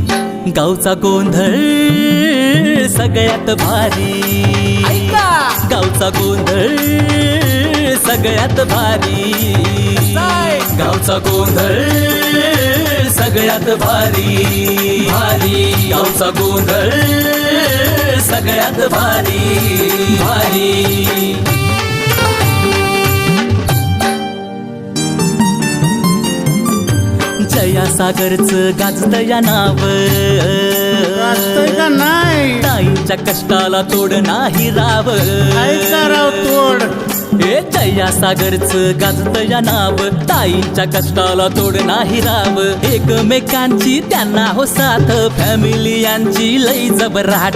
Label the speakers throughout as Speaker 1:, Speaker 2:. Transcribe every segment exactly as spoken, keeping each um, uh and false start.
Speaker 1: गावचा गोंधळ सगळ्यात भारी, गावचा गोंधळ सगळ्यात भारी, गावचा गोंधळ सगळ्यात भारी भारी, गावचा गोंधळ सगळ्यात भारी भारी। जया सागरचं गाजतं या नाव,
Speaker 2: गाजतंय का नाही?
Speaker 1: ताईंच्या कष्टाला तोड नाही राव,
Speaker 2: काय कराव तोड?
Speaker 1: हे जया सागरचं गाजतं या नाव, ताईंच्या कष्टाला तोड नाही राव, एकमेकांची त्यांना हो साथ, फॅमिली यांची लई जबराट,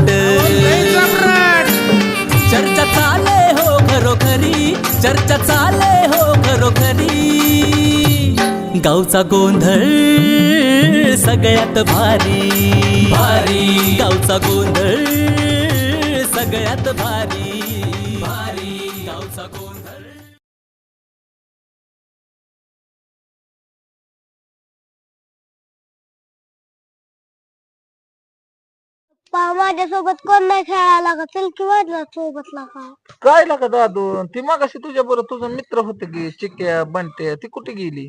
Speaker 1: चर्चा चाले हो खरोखरी, चर्चा चाले हो खरोखरी, गावचा गोंधळ सगळ्यात भारी भारी, गावचा गोंधळ सगळ्यात भारी भारी, गावचा गोंधळ।
Speaker 3: माझ्यासोबत कोण नाही खेळायला का? चल की माझ्या सोबत लागा.
Speaker 2: काय लागा दादू? ती मगाशी तुझ्या बरोबर तुझा मित्र होते की चिक्या बंट्या, ती कुठे गेली?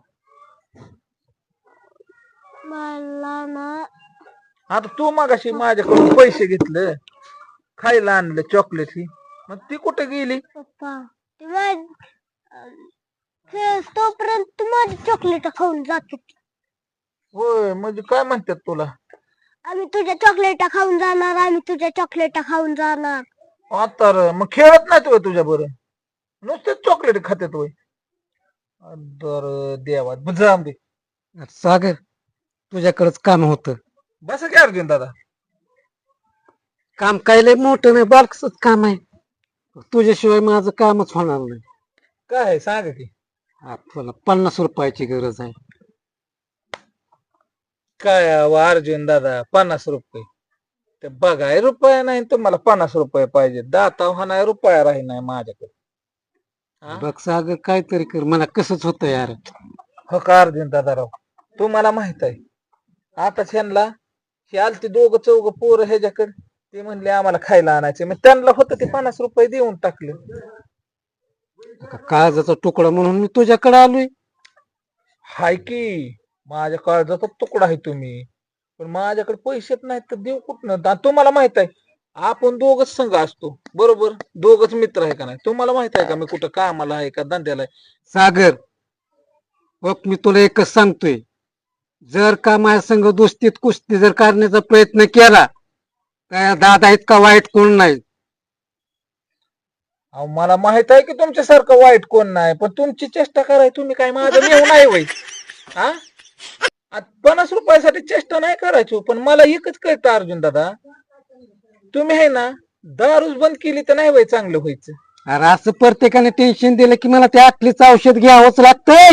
Speaker 3: मला ना
Speaker 2: आता तू मगाशी माझ्याकडून पैसे घेतले, खायला आणलं चॉकलेट ही, मग ती कुठे गेली?
Speaker 3: पप्पा ते माझ खेळ तोपर्यंत तू माझी चॉकलेट खाऊन जाते.
Speaker 2: होय, म्हणजे काय म्हणतात तुला?
Speaker 3: आम्ही तुझ्या चॉकलेट खाऊन जाणार, आम्ही तुझ्या चॉकलेट खाऊन जाणार.
Speaker 2: आता र, मग खेळत नाही तू तुझ्या बरोबर, नुसतेच चॉकलेट खात्यात होय? तर देवा जाम दे
Speaker 4: सागर, तुझ्याकडेच काम होतं.
Speaker 2: बस काय अर्जुन दादा?
Speaker 4: काम काय लय मोठं नाही, बारकसच काम आहे. तुझ्याशिवाय माझं कामच होणार नाही.
Speaker 2: काय आहे सांग की?
Speaker 4: आपल्याला पन्नास रुपयाची गरज आहे.
Speaker 2: काय अहो अर्जुन दादा, पन्नास रुपये ते बघाय रुपया नाही, तुम्हाला पन्नास रुपये पाहिजे? दाता हा नाही, रुपया राही नाही माझ्याकडे. हा?
Speaker 4: बघ सागर, काहीतरी कर, मला कसंच होतं यार.
Speaker 2: हो का अर्जुन दादा राव, तुम्हाला माहित आहे आता ह्यांना हे आलती दोघं चौघ पोरं ह्याच्याकडे, ते म्हणले आम्हाला खायला आणायचे, मग त्यांना होतं ते पन्नास रुपये देऊन टाकले.
Speaker 4: काळजाचा तुकडा म्हणून मी तुझ्याकडे आलोय.
Speaker 2: हाय की माझ्या काळजाचा तुकडा आहे तुम्ही, पण माझ्याकडे पैसेच नाहीत तर देऊ कुठनं? तुम्हाला माहित आहे आपण दोघच संघ असतो, बरोबर? दोघच मित्र आहे का नाही? तुम्हाला माहित आहे का मी कुठं कामाला आहे का धंद्याला आहे?
Speaker 4: सागर बघ, मी तुला एकच सांगतोय, जर का माझ्या संघ दोस्तीत कुस्ती जर करण्याचा प्रयत्न केला, काय दादा इतका वाईट कोण नाही.
Speaker 2: अहो मला माहित आहे की तुमच्यासारखं वाईट कोण नाही, पण तुमची चेष्टा कराय तुम्ही काय माझं नेऊ नाही वय? हा, पन्नास रुपयासाठी चेष्टा नाही करायची, पण मला एकच कळतं अर्जुन दादा, तुम्ही आहे ना दारूच बंद केली तर नाही वय चांगलं व्हायचं.
Speaker 4: अरे असं प्रत्येकाने टेन्शन दिलं की मला त्या आटलीचं औषध घ्यावंच लागतंय.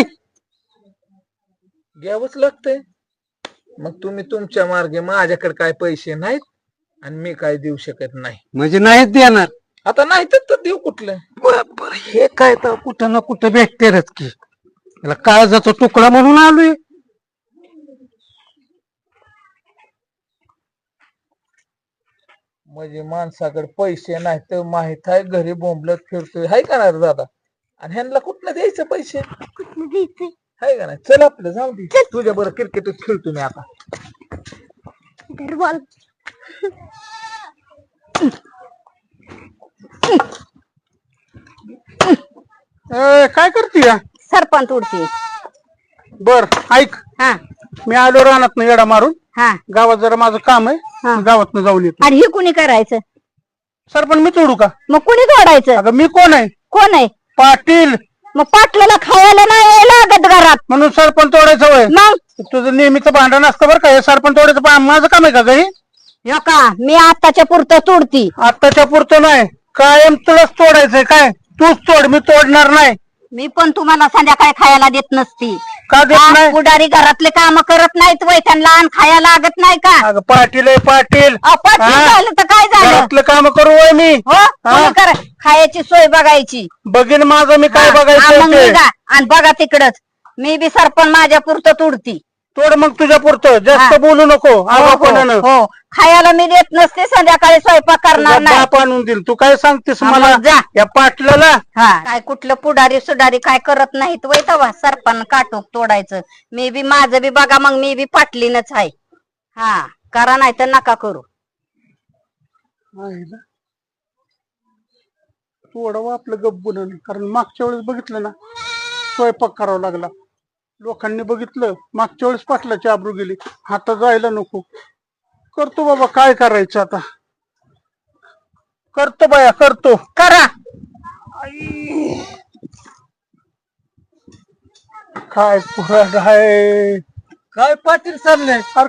Speaker 2: घ्यावंच लागतंय. मग तुम्ही तुमच्या मार्गे, माझ्याकडे काय पैसे नाहीत आणि मी काय देऊ शकत नाही.
Speaker 4: म्हणजे नाहीच देणार?
Speaker 2: आता नाही तर देऊ कुठलं?
Speaker 4: बरोबर, हे काय तर कुठं ना कुठं भेटतेच की. त्याला काळजाचा तुकडा म्हणून आलोय.
Speaker 2: म्हणजे माणसाकडे पैसे नाही तर माहित आहे घरी बोंबलत फिरतोय, हाय का नाही दादा? आणि ह्यांना कुठनं द्यायचं पैसे?
Speaker 3: कुठलं द्यायचंय?
Speaker 2: हाय का नाही? चल आपलं जाऊ दे, तुझ्या बरं क्रिकेटच खेळतो मी आता.
Speaker 3: धर बॉल.
Speaker 2: काय करते?
Speaker 5: सरपंच उडती.
Speaker 2: बर ऐक,
Speaker 5: हा
Speaker 2: मी आलो रानात येडा मारून,
Speaker 5: हा
Speaker 2: गावात जरा माझं काम आहे, गावात जाऊन येतो.
Speaker 5: आणि हे कुणी करायचं?
Speaker 2: सरपंच मी तोडू का?
Speaker 5: मग कुणी तोडायचं?
Speaker 2: अगं मी कोण आहे?
Speaker 5: कोण आहे?
Speaker 2: पाटील.
Speaker 5: मग पाटलाला खायला नाही लागत घरात,
Speaker 2: म्हणून सरपंच तोडायचं वय?
Speaker 5: मग
Speaker 2: तुझं नेहमीचं भांडण असतं बरं का, हे सरपंच तोडायचं पा- माझं काम आहे का घरी?
Speaker 5: हो का, मी आताच्या पुरतं तोडती.
Speaker 2: आत्ताच्या पुरतं नाही, कायम तुलाच तोडायचंय काय? तूच तोड, मी तोडणार नाही.
Speaker 5: मी पण तुम्हाला संध्याकाळी खायला देत नसती.
Speaker 2: का देत
Speaker 5: हा,
Speaker 2: नाही?
Speaker 5: पुढारी घरातले काम करत नाहीत वय, त्यांना अन्न खायला लागत नाही का?
Speaker 2: अगं पाटील आहे पाटील,
Speaker 5: अहो, पाटील
Speaker 2: हा?
Speaker 5: झालं तर काय झालं?
Speaker 2: घरातलं काम करू वय मी?
Speaker 5: हो, तुम्ही करा, खायची सोय बघायची.
Speaker 2: बघीन माझं मी काय
Speaker 5: हा, हा,
Speaker 2: बघायचं
Speaker 5: मग
Speaker 2: ते.
Speaker 5: निघा आणि बघा तिकडच. मी बी सरपंच माझ्या पुरतं तुडती.
Speaker 6: तोड मग तुझ्या पुरतं जास्त
Speaker 5: हा.
Speaker 6: बोलू नको
Speaker 5: हो,
Speaker 6: आगाऊपणानं.
Speaker 5: हो, हो. खायला मी देत नसते, संध्याकाळी स्वयंपाक करणार
Speaker 6: तुझा
Speaker 5: नाही.
Speaker 6: बाप आणून देईल. तू काय सांगतेस
Speaker 5: हा,
Speaker 6: मला
Speaker 5: मग जा.
Speaker 6: या पाटलाला?
Speaker 5: हा काय कुठलं पुढारी सुडारी काय करत नाहीत वय तवा सरपण काटूक तोडायचं. मी बी माझं बी बघा मग मी बी पाटलीनच आहे. हा करा नाही तर नका करू.
Speaker 6: तोडावं आपलं गप्पून, कारण मागच्या वेळेस बघितलं ना स्वयंपाक करावा लागला. लोकांनी बघितलं मागच्या वेळेस पाटलाची आबरू गेली. आता जायला नको. करतो बाबा, काय करायचं आता. करतो बाया, करतो.
Speaker 5: करा.
Speaker 6: काय पुराण आहे.
Speaker 4: काय पाटील चाललंय?
Speaker 6: अरे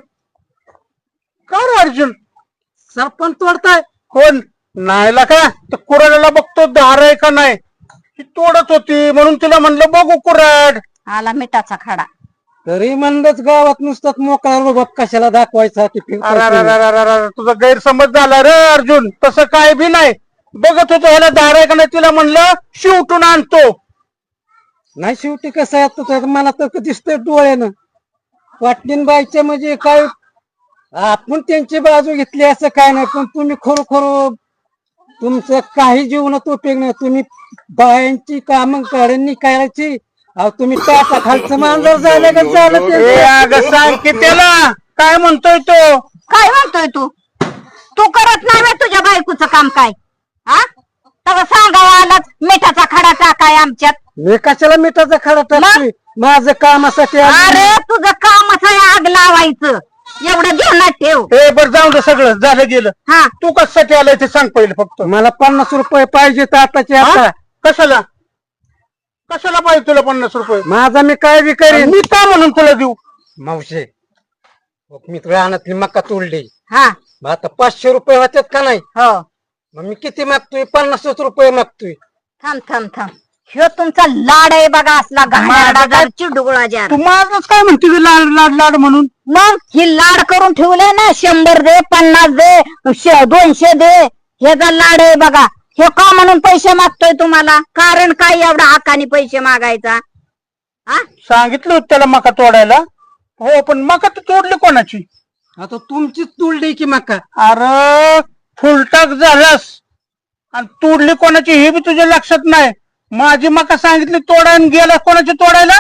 Speaker 6: का रे अर्जुन?
Speaker 4: सरपंच तोडताय?
Speaker 6: कोण नाहीला का? तर कुऱ्हाडाला बघतो धार आहे का नाही. ती तोडत होती म्हणून तिला म्हणलं बघू कुऱ्हाड.
Speaker 5: आला मिठाचा खडा.
Speaker 4: तरी म्हणलंच गावात नुसतात मोकळा रुबाब कशाला दाखवायचा? ते फिरतोय
Speaker 6: अरे अरे
Speaker 4: तुम्ही.
Speaker 6: अरे अरे अरे, तुझा गैरसमज झाला रे अर्जुन. तसं काय बी नाही. बघत होतो ह्याला धार आहे का नाही, तिला म्हणलं शिवटून आणतो.
Speaker 4: नाही शेवटी कसं आहे आता, मला तर दिसतंय डोळ्यानं पाटलीन बाईच्या म्हणजे काय आपण त्यांची बाजू घेतली असं काय नाही, पण तुम्ही खरोखर तुमचं काही जीवनात उपयोग नाही. तुम्ही बायांची कामं काढणी करायची. अहो तुम्ही टाटा खालचं मांजर झालं का झालं
Speaker 6: ए
Speaker 4: ते?
Speaker 6: अगं सांग की त्याला काय म्हणतोय तो.
Speaker 5: काय म्हणतोय तू? तू करत नाही व्हय तुझ्या बायकोचं काम काय? हा तसं सांगावं आलाच मिठाचा खडा टाकाय आमच्यात.
Speaker 4: मी कशाला मिठाचा खडा टाकतोय? माझं कामासाठी आलोय.
Speaker 5: अरे तुझं कामच आहे आग लावायचं. एवढं ध्यानात ठेव.
Speaker 6: ए बर जाऊ दे, सगळं झालं गेलं.
Speaker 5: हा
Speaker 6: तू कशासाठी आलाय ते सांग पहिले फक्त.
Speaker 4: मला पन्नास रुपये पाहिजे आताचे आता.
Speaker 6: हा? कशाला कशाला पाहिजे तुला पन्नास रुपये?
Speaker 4: माझा मी काय बी करीन.
Speaker 6: मी का म्हणून तुला देऊ?
Speaker 4: मावशे मी रानातली मका तोडली.
Speaker 5: हा
Speaker 4: मग आता पाचशे रुपये होतात का नाही?
Speaker 5: हो
Speaker 4: मग मी किती मागतोय? पन्नासच रुपये मागतोय.
Speaker 5: थांब थांब थांब. ह्यो तुमचा लाड आहे बघा, असला घाणेरडा चिडगुळा जार.
Speaker 6: तू माझच काय म्हणते ते लाड लाड लाड म्हणून?
Speaker 5: मग ही लाड करून ठेवलंय ना, शंभर दे, पन्नास दे, श- दोनशे दे. ह्याचा लाड आहे बघा. हे का म्हणून पैसे मागतोय तुम्हाला? कारण काय एवढा हक्काने पैसे मागायचा? हा
Speaker 6: सांगितलं होतं त्याला मका तोडायला. हो पण मका तू तोडली कोणाची?
Speaker 4: आता तुमचीच तोडली की मका.
Speaker 6: अरे फुलटाक झालास आणि तोडली कोणाची हे बी तुझ्या लक्षात नाही. माझी मका सांगितली तोडायला, गेला कोणाची तोडायला?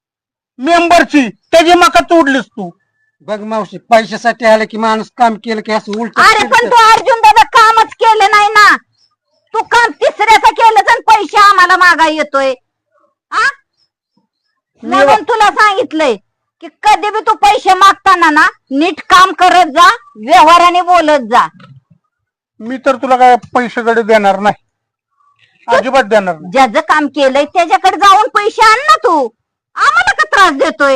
Speaker 6: मेंबरची. त्याची मका तोडलीस तू.
Speaker 4: बघ मावशी, पैशासाठी आलं की माणूस काम केलं की असं उलट.
Speaker 5: अरे पण तू अर्जुन दादा कामच केलं नाही ना. तू काम तिसऱ्याचं केलं आणि पैसे आम्हाला मागा येतोय. आ म्हणून तुला सांगितलंय की कधी बी तू पैसे मागताना ना नीट काम करत जा, व्यवहाराने बोलत जा.
Speaker 6: मी तर तुला काय पैशाकडे देणार नाही, अजिबात देणार नाही.
Speaker 5: ज्याचं काम केलंय त्याच्याकडे जाऊन पैसे आण ना तू. आम्हाला का त्रास देतोय?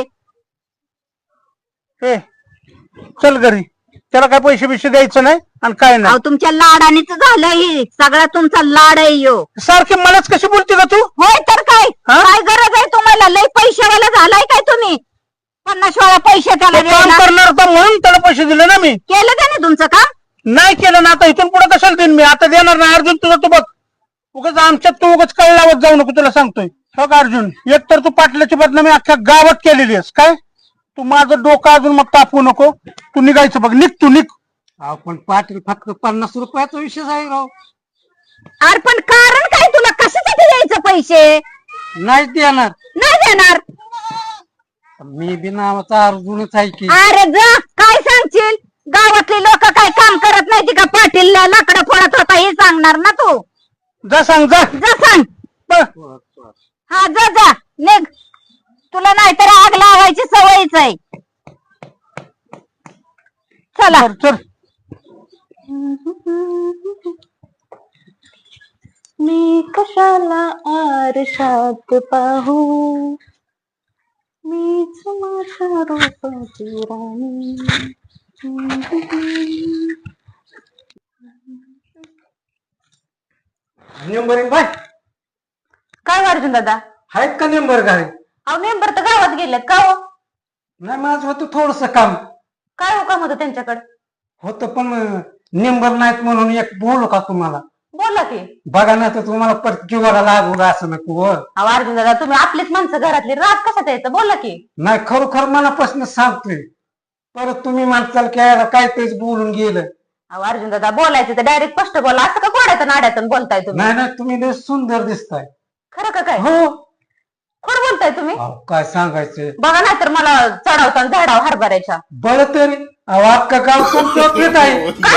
Speaker 6: ए चल घरी. त्याला काय पैसे बिशे द्यायचं नाही आणि काय
Speaker 5: अहो
Speaker 6: नाही.
Speaker 5: तुमच्या लाडानेच झालंय. सगळा तुमचा लाड आहे यो.
Speaker 6: सारखी मलाच कशी बोलते का तू?
Speaker 5: होय तर काय?
Speaker 6: हा?
Speaker 5: काय गरज आहे तुम्हाला? लय पैशावाला झालाय काय तुम्ही? पन्नास वेळा पैसे त्याला
Speaker 6: तो काम
Speaker 5: द्यायला.
Speaker 6: करणार होता म्हणून त्याला पैसे दिले ना मी.
Speaker 5: केलं त्याने तुमचं काम?
Speaker 6: नाही केलं ना, आता इथून पुढे कशाला देईन मी? आता देणार नाही. अर्जुन तुझं तू बघ. उगाच आमच्यात तू उगाच कळ लावत जाऊ नको, तुला सांगतोय. बघ अर्जुन, एक तर तू पाटलाची बदनामी अख्ख्या गावात केलेली आहेस. काय तू माझं डोकं अजून मग तापवू नको. तू निघायचं बघ. निघ तू निघ.
Speaker 4: अहो पण पाटील फक्त पन्नास रुपयाचा विषय आहे राव.
Speaker 5: अरे पण कारण काय? तुला कशासाठी द्यायचं पैसे?
Speaker 4: नाही देणार.
Speaker 5: नाही देणार.
Speaker 4: मी बी नावाचा अर्जुनच आहे की.
Speaker 5: अरे जा, काय सांगशील? गावातली लोक काय काम करत नाही का? पाटील लाकडं फोडत होता हे सांगणार ना तू.
Speaker 6: जा सांग जा.
Speaker 5: जा सांग.
Speaker 6: बघ.
Speaker 5: हा जा जा निघ. तुला नाहीतर आग लावायची सवयच आहे. चला.
Speaker 6: चल चल.
Speaker 7: मी कशाला आरशात पाहू, मीच माझ्या रूपाची राणी.
Speaker 4: नेंबर बाय
Speaker 7: काय अर्जुन दादा?
Speaker 4: आहेत का नेंबर घरी?
Speaker 7: अहो मेंबर तर गावात गेलेत का हो?
Speaker 4: नाही माझं होतं थोडस काम
Speaker 7: काय हो काम होतं त्यांच्याकडे?
Speaker 4: होतं, पण नेंबर नाहीत म्हणून एक बोलू का तुम्हाला?
Speaker 7: बोला की.
Speaker 4: बघा ना तर तुम्हाला परत जीवाला लागू असं नको हो.
Speaker 7: अहो अर्जुन दादा तुम्ही आपलीच माणसं घरातली राग कशात यायचं बोला की.
Speaker 4: नाही खरोखर मनापासून सांगतोय. परत तुम्ही माणसाला खेळायला काहीतरीच बोलून गेलं.
Speaker 7: अहो अर्जुन दादा बोलायचं तर डायरेक्ट स्पष्ट बोला, असं का कोड्यातून नाड्यातून बोलताय तुम्ही?
Speaker 4: नाही नाही तुम्ही लय सुंदर दिसताय.
Speaker 7: खरं का काय?
Speaker 4: हो
Speaker 7: खोड बोलताय तुम्ही?
Speaker 4: अहो, काय सांगायचं
Speaker 7: बघा नाही तर मला चढवता झाडाव हरभऱ्याच्या.
Speaker 4: बळ तरी अहो अख्खं गाव तुमचं येत आहे.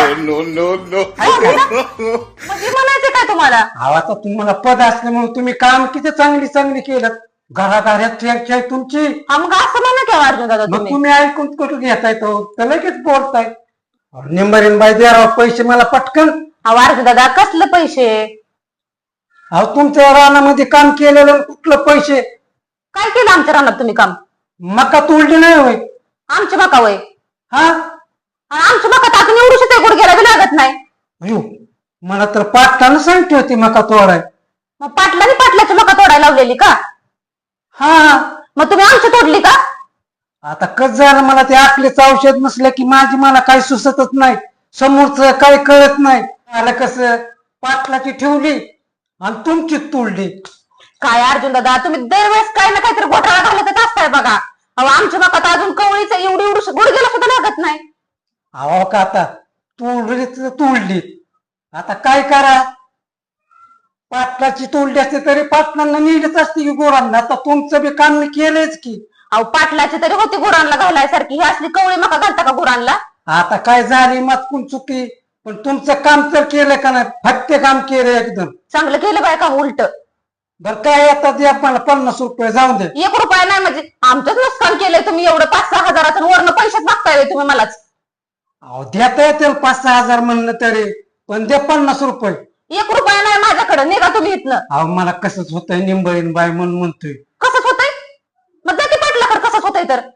Speaker 7: म्हणजे म्हणायचं काय तुम्हाला?
Speaker 4: अहो आता तुम्हाला पद असल्यामुळे तुम्ही काम किती चांगली चांगली केलं. घराघरात चर्चा आहे तुमची.
Speaker 7: हा मग असं म्हणा की अर्जुन दादा
Speaker 4: मग
Speaker 7: तुम्ही.
Speaker 4: तुम्ही ऐकून कुठं घेताय तो तर लगेच बोलताय. निंबारीन बाई द्या राव पैसे मला पटकन.
Speaker 7: अहो अर्जुन दादा कसलं पैसे?
Speaker 4: अहो तुमच्या रानामध्ये काम केलेलं कुठलं पैसे.
Speaker 7: काय केलं आमच्या रानात तुम्ही काम?
Speaker 4: मका तोडली नाही होय.
Speaker 7: आमची मका वय
Speaker 4: हा
Speaker 7: आमची मका तर अजून एवढी सुद्धा गुडघ्याला बी लागत नाही.
Speaker 4: अयो मला तर पाटलानं सांगते होती मका तोडाय.
Speaker 7: मग पाटलाने पाटलाची मका तोडायला लावलेली का?
Speaker 4: हा
Speaker 7: मग तुम्ही आमची तोडली का?
Speaker 4: आता कस झालं मला ते आपलेच औषध नसलं की माझी मला काही सुचतच नाही. समोरच काही कळत नाही. आलं कसं पाटलाची ठेवली आणि तुमची तोडली.
Speaker 7: काय अर्जुन दादा तुम्ही दरवेळेस काही ना काहीतरी घोटाळा घालतच असताय बघा. अहो आमची मका तर अजून कवळीच एवढी एवढी गुडघ्याला सुद्धा लागत नाही.
Speaker 4: अहो का आता तोडली तर तोडली. आता काय करा. पाटलाची तोडली असते तरी पाटलांना नेलीच असते की गोरांना. आता तुमचं बी काम मी केलंच की.
Speaker 7: अहो पाटलाची तरी होती गुरांना घालायसारखी, ही असली कवळी मका घालता का गुरांना?
Speaker 4: आता काय झाली मातकून चुकी. पण तुमचं काम तर केलं का नाही. फक्त काम केलं एकदम.
Speaker 7: चांगलं केलं बाय काम उलट.
Speaker 4: बरं काय आता द्या मला पन्नास रुपये जाऊन दे.
Speaker 7: एक रुपया नाही म्हणजे आमचंच नुकसान केलंय तुम्ही. एवढं पाच सहा हजाराचं वरनं पैसेच मागताय तुम्ही मलाच.
Speaker 4: अहो देता येतील पाच सहा हजार म्हणलं तरी पण द्या पन्नास रुपये.
Speaker 7: एक रुपया नाही माझ्याकडे, निघा तुम्ही इथनं.
Speaker 4: अहो मला कसंच होतंय निंबळीन बाय म्हणून म्हणतोय.
Speaker 7: कसंच होतंय? मग जाती पाटलाकडे कसंच होतंय तर.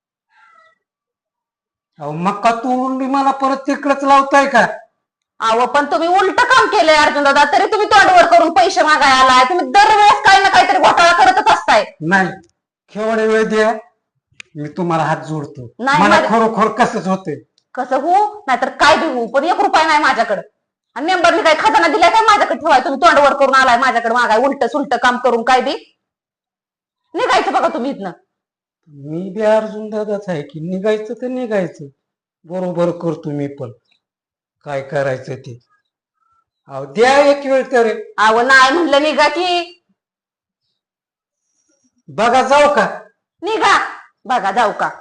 Speaker 4: अहो मक्का तोडून बी मला परत तिकडच लावताय का?
Speaker 7: अहो पण तुम्ही उलट काम केलंय अर्जुन दादा, तरी तुम्ही तोंडवर करून पैसे मागायला आलाय. तुम्ही दरवेळेस काही ना काहीतरी घोटाळा करतच असताय.
Speaker 4: नाही केवढे वेळ द्या मी तुम्हाला हात जोडतो.
Speaker 7: नाही,
Speaker 4: मला
Speaker 7: माझ्या-
Speaker 4: खरोखर कसंच होतंय.
Speaker 7: कसं होऊ नाहीतर काय बी होऊ, पण एक रुपया नाही माझ्याकडे. आणि मेंबरनी काय खजाना दिलाय काय माझ्याकडे ठेवाय? तुम्ही तोंडवर करून आलाय माझ्याकडे मागाय उलट सुलट काम करून काय बी. निघायचं बघा तुम्ही इथनं.
Speaker 4: मी बी अर्जुन दादाच आहे की निघायचं तर निघायचं. बरोबर करतो मी पण काय करायचं ते. अहो द्या एक वेळ तरी.
Speaker 7: अहो नाही म्हणलं निघा की.
Speaker 4: बघा जाऊ का?
Speaker 7: निघा बघा जाऊ का.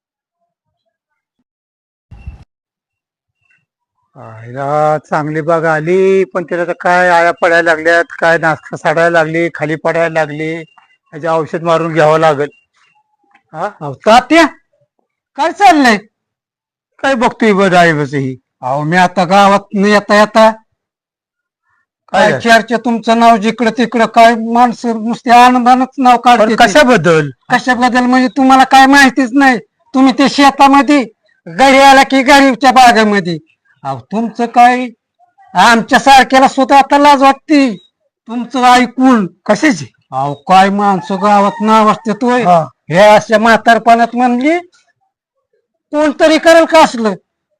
Speaker 6: आईला चांगली बाग आली पण त्याला तर काय आया पडायला लागल्यात, काय नाश्ता साडायला लागली, खाली पडायला लागली. त्याचे औषध मारून घ्यावं लागल. हा
Speaker 4: अहो तात्या काय चाललंय?
Speaker 6: काय बघतोय बरं आहे बस ही.
Speaker 4: अहो मी आता गावात न येता येता
Speaker 6: काय
Speaker 4: काय चर्चा तुमचं नाव जिकडं तिकडं काय माणसं नुसते आनंदानच नाव
Speaker 6: पण
Speaker 4: काढते.
Speaker 6: कशाबद्दल?
Speaker 4: कशाबद्दल म्हणजे तुम्हाला काय माहितीच नाही. तुम्ही ते शेतामध्ये गडी आला की गरीबच्या बागेमध्ये. अहो तुमचं काय आमच्या सारख्याला सुद्धा आता लाज वाटते तुमचं ऐकून.
Speaker 6: कशाची?
Speaker 4: अहो काय माणसं गावात नाव असते तोय.
Speaker 6: हा.
Speaker 4: हे अशा म्हातारपणात म्हणली कोणतरी करेल का असलं.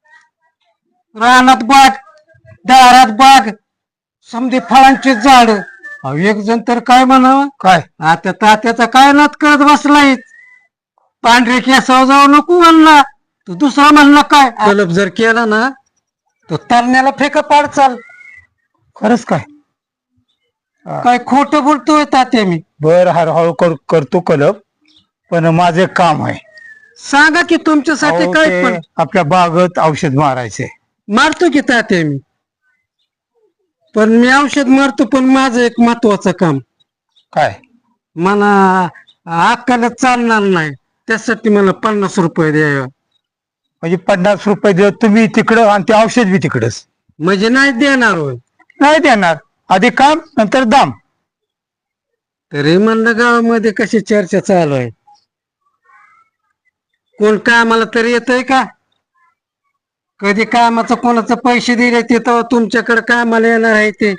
Speaker 4: रानात बाग दारात बाग समधी फळांची झाड. अहो एक जण तर काय म्हणावं
Speaker 6: काय?
Speaker 4: आता तात्याचा काय नात करत बसलाय. पांढरे केसावर जाऊ नको म्हणला तू दुसरा म्हणला काय तलब जर केला ना तो तरण्याला फेका पाड चाल.
Speaker 6: खरंच काय?
Speaker 4: काय खोट बोलतोय तात्या मी.
Speaker 6: बर हळूहळू कर, करतो कलब. पण माझे काम आहे.
Speaker 4: सांगा की तुमच्यासाठी
Speaker 6: अहो,
Speaker 4: काय
Speaker 6: ते
Speaker 4: पण
Speaker 6: आपल्या बागेत औषध मारायचे.
Speaker 4: मारतो की तात्या मी. पण मी औषध मारतो पण माझं एक महत्वाचं काम.
Speaker 6: काय?
Speaker 4: मला अक्काला चालणार नाही त्यासाठी मला पन्नास रुपये द्यावे.
Speaker 6: म्हणजे पन्नास रुपये देत तुम्ही तिकडं आणि ते औषध बी तिकडच?
Speaker 4: म्हणजे नाही देणार होय.
Speaker 6: नाही देणार. आधी काम नंतर दाम.
Speaker 4: तरी म्हणलं गावामध्ये कशी चर्चा चालू आहे. कोण कामाला तरी येतय का? कधी कामाचं कोणाचं पैसे दिले ते तर तुमच्याकडे कामाला येणार आहे ते.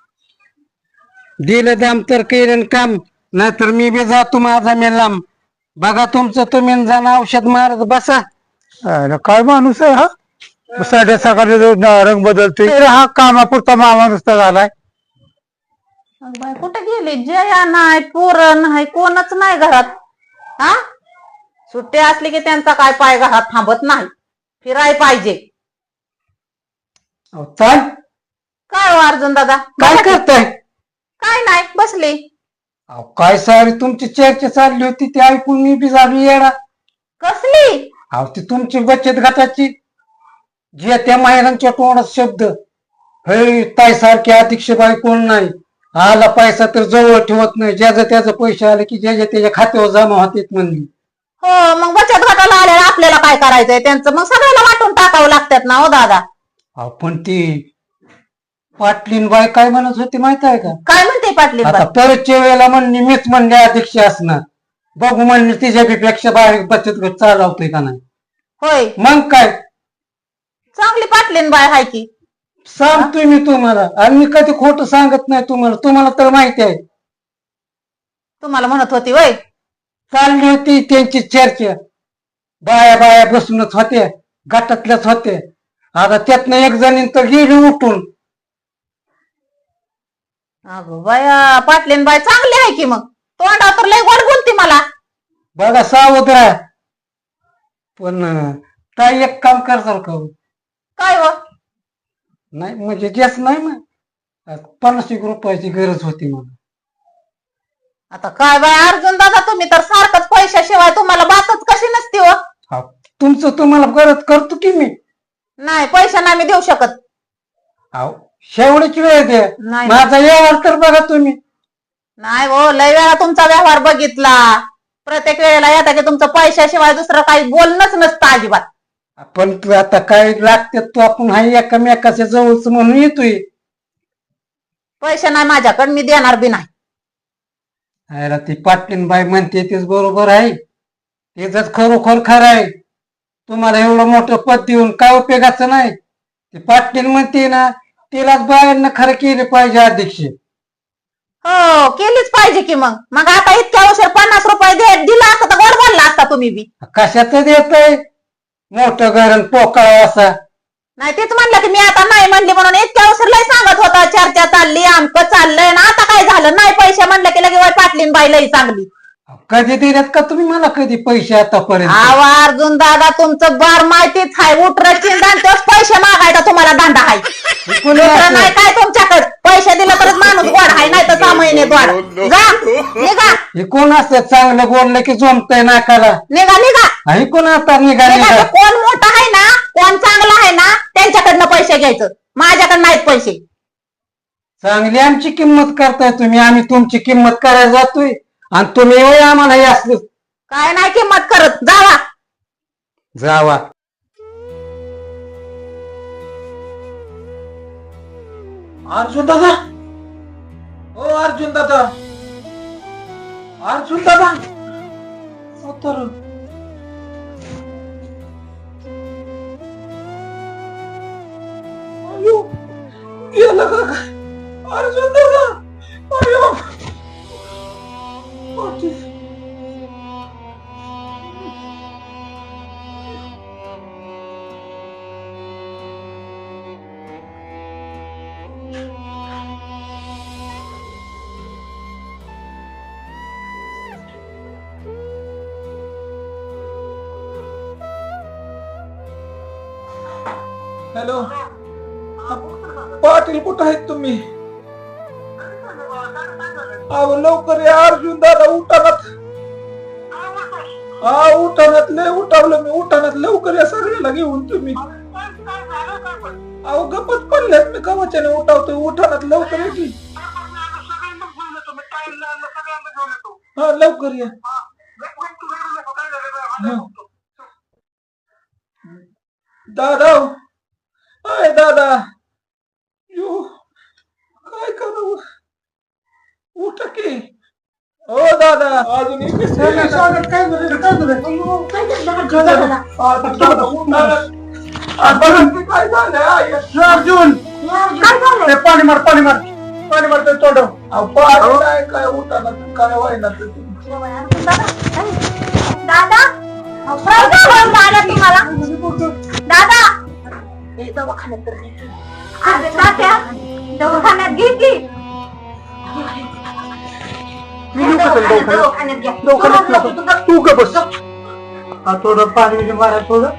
Speaker 4: दिलं दाम तर केलं काम नाहीतर मी बी जातो माझा मी लांब. बघा तुमचं तुम्ही जाणं औषध मारत बसा.
Speaker 6: अरे काय माणूस आहे हा. साध्या सकाळी रंग बदलते हा कामापुरता मामा नुसता झालाय.
Speaker 7: अगं बाई, कुठे गेली? जया नाही, पोरं नाही, कोणच नाही घरात. हा सुट्टी असली की त्यांचा काय पाय घरात थांबत नाही, फिराय पाहिजे.
Speaker 4: अहो, ताई
Speaker 7: काय हो अर्जुन दादा?
Speaker 4: काय करताय?
Speaker 7: काय नाही, बसली.
Speaker 4: अहो, काय सारी तुमची चर्चा चालली होती ती ऐकून मी बी झाली येडा.
Speaker 7: कसली?
Speaker 4: अहो ती तुमची बचत गटाची जे त्या महिलांच्या तोंडात शब्द, हे ताई सारखी अध्यक्ष बाई कोण नाही, आला पैसा तर जवळ ठेवत नाही, ज्याचं त्याचं पैसे आले की ज्याच्या त्याच्या खात्यावर जमा होतात म्हणली.
Speaker 7: हो, मग बचत गटाला आल्याला आपल्याला काय करायचंय त्यांचं? मग सगळ्याला वाटून टाकावं लागतात ना हो दादा.
Speaker 4: अहो पण ती पाटलीन बाई काय म्हणत होती माहित आहे का?
Speaker 7: काय म्हणते पाटली?
Speaker 4: आता परतच्या वेळेला म्हणली मीच म्हणले अध्यक्ष असणार, बघू म्हणले तिच्यापेक्षा बाहेर बचत गट चालवतोय का नाही.
Speaker 7: होय,
Speaker 4: मग काय
Speaker 7: चांगली पाटलीन बाय हाय की.
Speaker 4: सांगतोय मी तुम्हाला, आणि मी कधी खोटं सांगत नाही तुम्हाला, तुम्हाला तर माहिती आहे.
Speaker 7: तुम्हाला म्हणत होती वय?
Speaker 4: चालली होती त्यांची चर्चा, बाया बाया बसूनच होत्या, गटातल्याच होत्या. आता त्यातनं एक जणी तर गेली उठून.
Speaker 7: अगं बाया, पाटलीन बाय चांगली आहे की. मग तोंडा तर लय गोड बोलती मला.
Speaker 4: बघा सावध राहा. पण काय एक काम करताल का?
Speaker 7: काय हो?
Speaker 4: नाही म्हणजे जास्त नाही ना, पन्नास एक रुपयाची गरज होती मला.
Speaker 7: आता काय बाय अर्जुन दादा, तुम्ही तर सारखंच पैशाशिवाय तुम्हाला बातच कशी नसती हो.
Speaker 4: हा, तुमचं तुम्हाला गरज करतो की मी.
Speaker 7: नाही, पैसा नाही मी देऊ शकत.
Speaker 4: अहो शेवटची वेळ द्या,
Speaker 7: नाही.
Speaker 4: माझा व्यवहार तर बघा तुम्ही.
Speaker 7: नाही हो, लय वेळा तुमचा व्यवहार बघितला. प्रत्येक वेळेला येता की तुमचं पैशाशिवाय दुसरं काही बोलणंच नसतं अजिबात.
Speaker 4: पण तू आता काय लागतात तू, आपण हा एकामेकाच्या जवळच म्हणून येतोय.
Speaker 7: पैसे नाही माझ्याकडे, मी देणार बी नाही.
Speaker 4: अरे ती पाटलीन बाई म्हणते तेच बरोबर आहे, तेच खरोखर खरं आहे. तुम्हाला एवढं मोठं पद देऊन काय उपयोगाचं नाही. ती पाटलीन म्हणते ना, तिलाच बायांना खरं केले पाहिजे अध्यक्ष.
Speaker 7: हो, केलीच पाहिजे की. मग मग आता इतक्या उशीर पन्नास रुपये दे दिला असता तर गोड बोलला असता तुम्ही बी.
Speaker 4: कशाच देतय मोठं घरण पोकळ असा.
Speaker 7: नाही, तेच म्हणलं की मी आता नाही म्हणली म्हणून. इतक्या उशीर लय सांगत होता, चर्चा चालली, आमकं चाललंय ना. आता काय झालं? नाही पैसे म्हणलं की लगे पाटलीन बाई लई चांगली.
Speaker 4: कधी दिल्यात का तुम्ही मला कधी पैसे आतापर्यंत?
Speaker 7: आवा अर्जुन दादा, तुमचं बार माहितीच आहे. उठर चिंदान तेच पैसे मागायचा तुम्हाला दांडा आहे. दुसरं नाही काय तुमच्याकडे. पैसे दिले तरच माणूस गोड आहे, नाही तर सहा महिने गोड. जा निघा
Speaker 4: हे कोण असं चांगलं बोललं की जमतंय नाकाला.
Speaker 7: निघा निघा
Speaker 4: हे कोण आता निघा
Speaker 7: निघा.
Speaker 4: निघा.
Speaker 7: ते कोण मोठा आहे ना, कोण चांगला आहे ना, त्यांच्याकडनं पैसे घ्यायचं. माझ्याकडे नाहीत पैसे.
Speaker 4: चांगली आमची किंमत करताय तुम्ही, आम्ही तुमची किंमत करायला जातोय आणि तुम्ही होय आम्हाला हे असलं.
Speaker 7: काय नाही किंमत करत. जावा
Speaker 4: जावा.
Speaker 2: अर्जुन दादा, ओ अर्जुन दादा, अर्जुन दादा, हो तर अयो, गेलं का काय? अर्जुन दादा, अयो, पाटील. हॅलो, पाटील कुठं आहेत तुम्ही? अहो लवकर या अर्जुन दादा, उठानात. हा उठानात, लय उठावलं मी. उठानात लवकर या सगळ्याला घेऊन तुम्ही. अहो गप्पच पडल्यात, मी कवचाने उठावतोय. उठानात लवकर या की. हा लवकर या. दादा, अय दादा, यो काय करू? उठ की. ओ दादा, अजून इकडे काय झालं? काय झालं? काय झालं?
Speaker 6: अर्जुन ते पाणी मार, पाणी मार, पाणी मार ते तोंड.
Speaker 2: काय काय उठाना काय व्हायना
Speaker 3: दादा, काय झालं दादा तुम्हाला? दादा दवाखान्यात तर नाही.
Speaker 5: अरे तात्या, दवाखान्यात घे की.
Speaker 6: मी येऊ का तुला दवाखान्यात?
Speaker 5: दवाखान्यात घ्या.
Speaker 6: दवाखान्यात
Speaker 5: नको,
Speaker 6: नको.
Speaker 5: नको.
Speaker 6: तू का बस हा थोडं पाणी बिणी मारा थोडं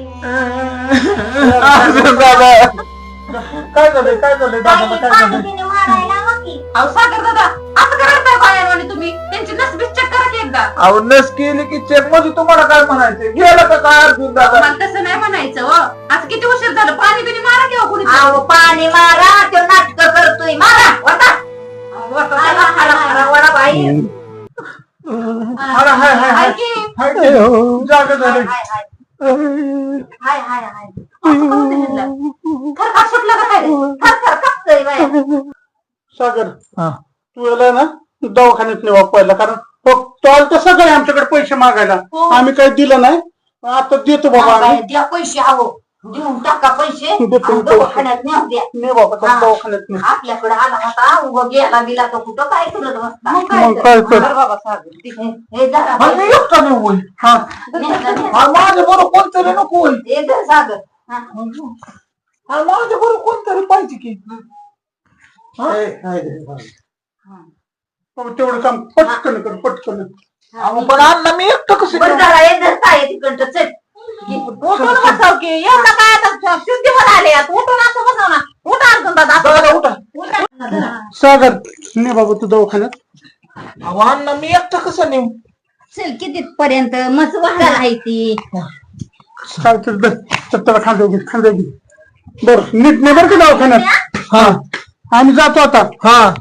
Speaker 2: अर्जुन दादा काय झालंय काय झालंय दादाला काय
Speaker 3: पाणी
Speaker 2: झालंय
Speaker 3: बिणी मारायला हवं की.
Speaker 5: अहो सागर दादा, असं करताय बाहेर तुम्ही? त्यांची नसबीस चेक करा की एकदा.
Speaker 2: अहो नस केली की चेक मध्ये तुम्हाला काय म्हणायचं गेलं का काय अर्जुन दादा
Speaker 5: मला तसं नाही म्हणायचं हो. आज किती उशीर झालं, पाणी बिणी मारा किंवा कोणी.
Speaker 7: अहो पाणी मारा तो नाटक करतोय मारा वटा वडा बाई
Speaker 2: हाय हाय हाय हाय
Speaker 5: की
Speaker 2: हाय की. जागा झालंय
Speaker 5: हाय हाय हाय असं करू दे ह्यांना. थरकाप सुटलं का काय? थरथर कापतोय बाया.
Speaker 6: सागर
Speaker 2: हा.
Speaker 6: तू याला ना दवाखान्यात नेवा पहिला कारण तो आलं तर सगळे आमच्याकडे पैसे मागायला आम्ही काही दिलं नाही आता देतो बाबा आम्ही
Speaker 5: द्या पैसे हवं, देऊन टाका पैसे.
Speaker 6: देतो,
Speaker 5: आणि दवाखान्यात न्या द्या.
Speaker 6: ने बाबा त्या दवाखान्यात ने
Speaker 5: आपल्याकडे आला होता उभं गेला बिला तो कुठं काय करत बसता.
Speaker 6: मग काय तर.
Speaker 5: बरं बाबा सागर, ठीक आहे. हे धरा
Speaker 2: मग मी एकटा नाही होईल
Speaker 6: हा
Speaker 5: न्या, न्या.
Speaker 2: हा माझ्या बरोबर कोणतरी नको होईल
Speaker 5: हे धर सागर. हा.
Speaker 2: हा माझ्या बरोबर कोणतरी पाहिजे की
Speaker 6: ए, हाय रे, हाय. बाबा, तेवढं काम पटकन कर पटकन
Speaker 2: अहो, पण अण्णा मी एकटं कसं
Speaker 5: बरं
Speaker 2: करू?
Speaker 5: झालं, हे धर ताई तिकडचं चल. उठून बसाव की एवढं काय आता शुद्धीवर आले आता. उठून असं बसाव ना. उठा अर्जुन दादा असं
Speaker 2: दादा उठा
Speaker 5: उठा.
Speaker 6: सागर ने बाबा तू दवाखान्यात
Speaker 2: अहो अण्णा मी एकटं कसं नेऊ
Speaker 5: चल किती पर्यंत मस्त वाढायला आहे ती.
Speaker 6: काय तर दर त्याला खांदे घे खांदे घे बर नीट ने बर का दवाखान्यात
Speaker 2: हा
Speaker 6: आम्ही जातो आता
Speaker 2: हा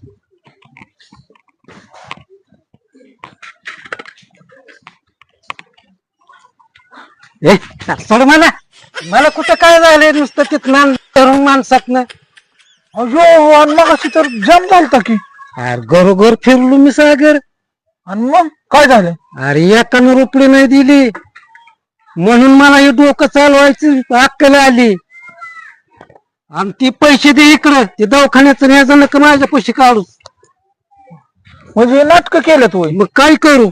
Speaker 4: ए सोड मला मला कुठं काय झालंय नुसतं तिथं धरून माणसातनं
Speaker 2: अयो आणि मग अशी तर जम झालता की
Speaker 4: अरे घरोघर फिरलो मी सागर.
Speaker 2: आणि मग काय झालं
Speaker 4: अरे एकानं रुपडी नाही दिली म्हणून मला हे डोकं चालवायची अक्कल आली आणि ती पैसे दे इकडं ते दवाखान्याचं न्यायचं नका माझ्या पैसे काढू.
Speaker 2: म्हणजे नाटक केलं तू
Speaker 4: मग काय करू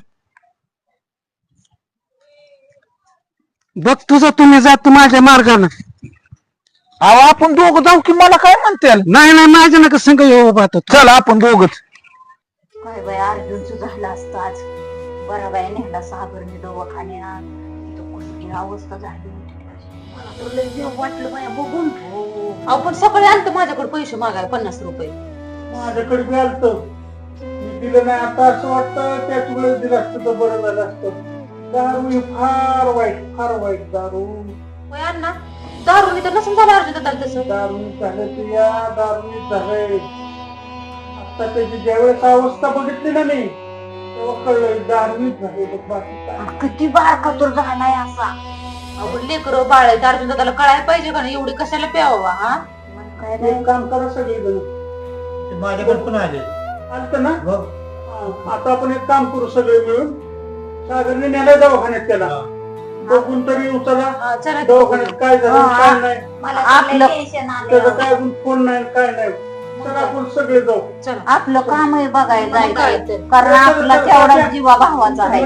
Speaker 4: बघ तुझं तुम्ही जात माझ्या मार्गानं.
Speaker 2: अहो आपण दोघं जाऊ की मला काय म्हणते
Speaker 4: नाही नाही माझ्या नका संग येऊ बात.
Speaker 2: चल आपण दोघच
Speaker 5: काय बाय अर्जुनचं झालं असतं आज. बरा बाय नेहला सागरने दवाखान्यात. तिथं कुठली अवस्था झाली होती त्याची. मला तर लय देव वाटलं बाया बघून. अहो पण सकाळी आलतं माझ्याकडे पैसे मागायला पन्नास रुपये.
Speaker 6: माझ्याकडे बी आलतं मी दिलं नाही आता असं वाटतं त्याच वेळेस दिलं असतं तर बरं झालं असतं. दारू ही फार वाईट फार वाईट दारू
Speaker 5: होय अण्णा, दारूनी तर नसून झालं अर्जुन दादा तसं.
Speaker 6: दारू झालं ते या दारू झालंय आता त्याची ज्यावेळेस अवस्था बघितली ना मी तेव्हा कळलं दारू झाले बाकी काय
Speaker 5: किती बारका तर झालाय असा. अहो लेकर बाळ आहे अर्जुन दादाला कळायला पाहिजे का नाही एवढी कशाला प्यावा. हा काय
Speaker 6: एक काम करा सगळे जण
Speaker 2: माझ्याकडे पण आले
Speaker 6: आलत ना हा, आता आपण एक काम करू सगळे मिळून सागरने नेलाय दवाखान्यात त्याला बघून तरी उचला
Speaker 5: हा, चला.
Speaker 6: दवाखान्यात काय झालं
Speaker 5: हा.
Speaker 6: काय नाही
Speaker 3: मला
Speaker 5: आपलं-
Speaker 3: टेन्शन
Speaker 6: त्याचं
Speaker 3: आलं.
Speaker 6: काय अजून फोन नाही काय नाही तर आपण सगळे जाऊ
Speaker 5: आपलं काम आहे बघायला जायचं कारण आपला तेवढा जीवा भावाचा आहे.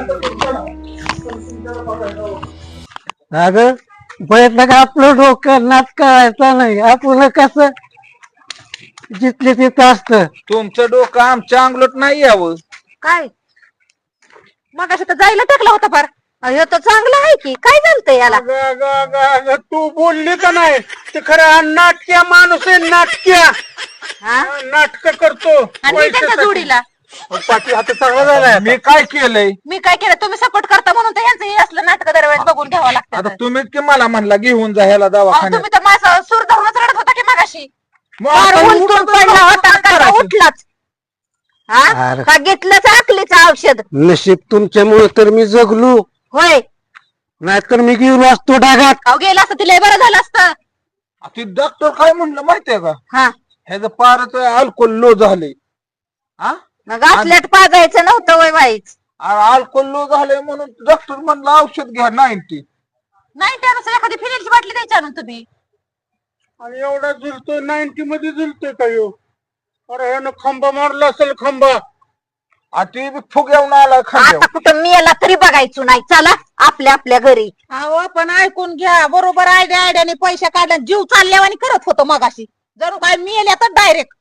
Speaker 4: अगं बघितलं का आपलं डोकं नाच करायचं नाही आपलं कसं जिथले तिथं असतं.
Speaker 2: तुमचं डोकं आमच्या अंगलोट नाही यावं
Speaker 5: काय मग असं तर जायला टाकला होता फार. अयो तो चांगला आहे की काय झालं याला.
Speaker 6: अगं, अगं, अगं, अगं, तू बोलली का नाही ते खरं नाटक्या माणूस आहे नाटक्या नाटक करतो
Speaker 5: आणि मी त्यांच्या जोडीला
Speaker 6: पाठी हात चांगला झालाय
Speaker 2: मी काय केलंय
Speaker 5: मी काय केलं तुम्ही सपोर्ट करता म्हणून तर ह्यांचं हे असलं नाटक दरवेळेस बघून घ्यावं
Speaker 2: आता
Speaker 5: लागतं.
Speaker 2: तुम्हीच की मला म्हणला घेऊन जा ह्याला
Speaker 5: अहो,
Speaker 2: दवाखान्यात
Speaker 5: तुम्ही तर माझा सूर धरूनच रडत होता की मगाशी.
Speaker 2: मग
Speaker 5: फार
Speaker 2: आता
Speaker 5: उलटून
Speaker 2: उठून
Speaker 5: पडला होता
Speaker 2: काय
Speaker 5: का
Speaker 2: करायचं?
Speaker 5: उठलाच. हा
Speaker 4: अरे.
Speaker 5: का घेतलंच आकलीचं औषध.
Speaker 4: नशीब तुमच्यामुळे तर मी जगलो
Speaker 5: होय
Speaker 4: नाहीतर मी गेलो असतो डागात.
Speaker 5: अहो गेला असतं तिला बरं झालं असतं.
Speaker 2: ती डॉक्टर काय म्हणलं माहितीये का
Speaker 5: हा
Speaker 2: ह्याचं पारच अल्कोहोल लो झाले हा
Speaker 5: मग असल्यात पाजायचं नव्हतं वय बाईच.
Speaker 2: अल्कोहोल लो झालंय म्हणून डॉक्टर म्हणलं औषध घ्या नाईन्टी
Speaker 5: नाही त्यानुसार एखादी फिनेलची बाटली द्यायची आणून तुम्ही.
Speaker 6: आणि एवढा झुलतोय नाईन्टी मध्ये झुलतोय का यो अरे ह्यानं खांबा मारला असेल खांबा
Speaker 2: ती बी फुग्यावून आला
Speaker 5: आता
Speaker 2: खांद्यावर
Speaker 5: कुठं मी याला तरी बघायचो नाही चला. आपल्या आपल्या घरी.
Speaker 7: अहो पण ऐकून घ्या, बरोबर आयडिया आयडियाने पैसे काढले, जीव चालल्यावानी करत होतो मगाशी, जणू काय मेल्या तर डायरेक्ट.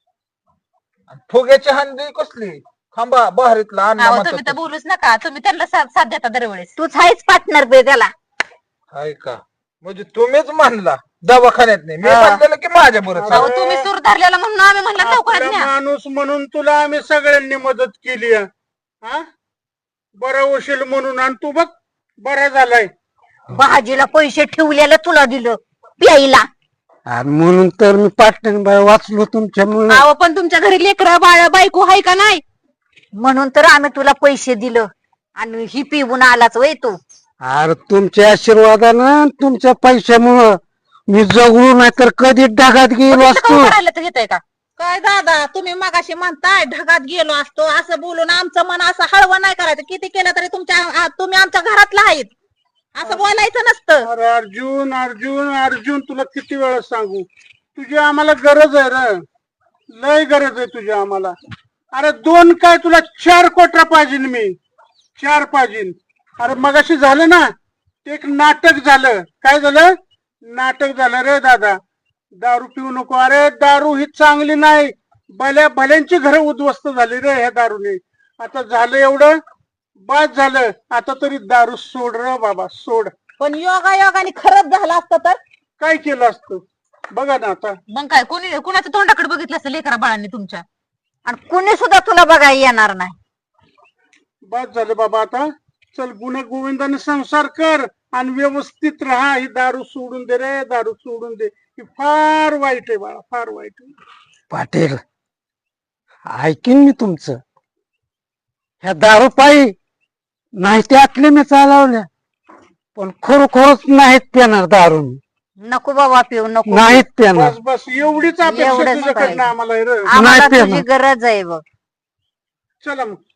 Speaker 2: फुग्याची हंडी कसली खांबा बहारीतला अन्न
Speaker 7: अहो
Speaker 2: म्हणतात
Speaker 7: तुम्ही तर बोलूच नका, तुम्ही त्यांना साथ साथ देता दरवेळेस.
Speaker 5: तूच आहेच पार्टनर बे त्याला.
Speaker 2: हाय का? म्हणजे तुम्हीच म्हणला दवाखान्यात नाही, मी
Speaker 5: हा.
Speaker 2: म्हणलेलं की माझ्या बरोबर
Speaker 7: अहो तुम्ही सूर धरलेला म्हणून आम्ही म्हणलं लवकरात
Speaker 6: आपला
Speaker 7: न्या.
Speaker 6: माणूस म्हणून तुला आम्ही सगळ्यांनी मदत केली आहे. हा बरा होशील म्हणून, आणि तू बघ बरा झालाय.
Speaker 5: भाजीला पैसे ठेवलेलं तुला दिलं प्यायला.
Speaker 4: आणि म्हणून तर मी पाटण बाय वाचलो तुमच्यामुळे.
Speaker 7: अहो पण तुमच्या घरी लेकरं बाळ बायको आहे का नाही?
Speaker 5: म्हणून तर आम्ही तुला पैसे दिलं आणि ही पिऊन आलाच वय तू.
Speaker 4: अरे तुमच्या आशीर्वादानं तुमच्या पैशामुळं मी जगलो नाही तर कधी ढगात गेलो असतो.
Speaker 7: करायला तर घेताय का काय दादा? तुम्ही मगाशी म्हणताय ढगात गेलो असतो, असं बोलून आमचं मन असं हळवं नाही करायचं. किती केलं तरी तुमच्या आ- तुम्ही आमच्या घरातला आहेत, असं बोलायचं नसतं.
Speaker 6: अरे अर्जुन अर्जुन अर्जुन तुला किती वेळा सांगू, तुझी आम्हाला गरज आहे रे, लय गरज आहे तुझी आम्हाला. अरे दोन काय तुला चार कोटरा पाहिजे, मी चार पाहिजे. अरे मगाशी झालं ना ते एक नाटक झालं. काय झालं? नाटक झालं रे दादा. दारू पिऊ नको. अरे दारू ही चांगली नाही, भल्या भल्यांची घरं उद्ध्वस्त झाली रे ह्या दारूने. आता झालं एवढं बाद झालं, आता तरी दारू सोड रे बाबा, सोड.
Speaker 7: पण योगा योगाने खरंच झालं असतं तर
Speaker 6: काय केलं असतं बघा ना आता.
Speaker 7: मग काय, कोणी कुणाच्या तोंडाकडे बघितलं असतं लेकरा बाळांनी तुमच्या?
Speaker 5: आणि कुणी सुद्धा तुला बघायला येणार नाही.
Speaker 6: बाद झालं बाबा. आता चल गुन्हा गोविंदाने संसार कर आणि व्यवस्थित राहा. ही दारू सोडून दे रे, दारू सोडून दे. ही फार वाईट आहे बाळा, फार वाईट आहे.
Speaker 4: पाटील ऐकीन मी तुमचं. ह्या दारू पायी नाही ते आटले मी चालवल्या, पण खरोखरच नाहीत पिणार दारू.
Speaker 5: नको बाबा पिऊ नको.
Speaker 4: नाहीत पिणार.
Speaker 6: बस बस एवढीच अपेक्षा
Speaker 5: एवढंच
Speaker 6: तुझ्याकडनं
Speaker 5: पाहिजे.
Speaker 6: आम्हाला आहे रे.
Speaker 5: आम्हाला
Speaker 4: नाही
Speaker 5: तुझी
Speaker 4: पिणार.
Speaker 5: गरज आहे बघ.
Speaker 6: चला मग.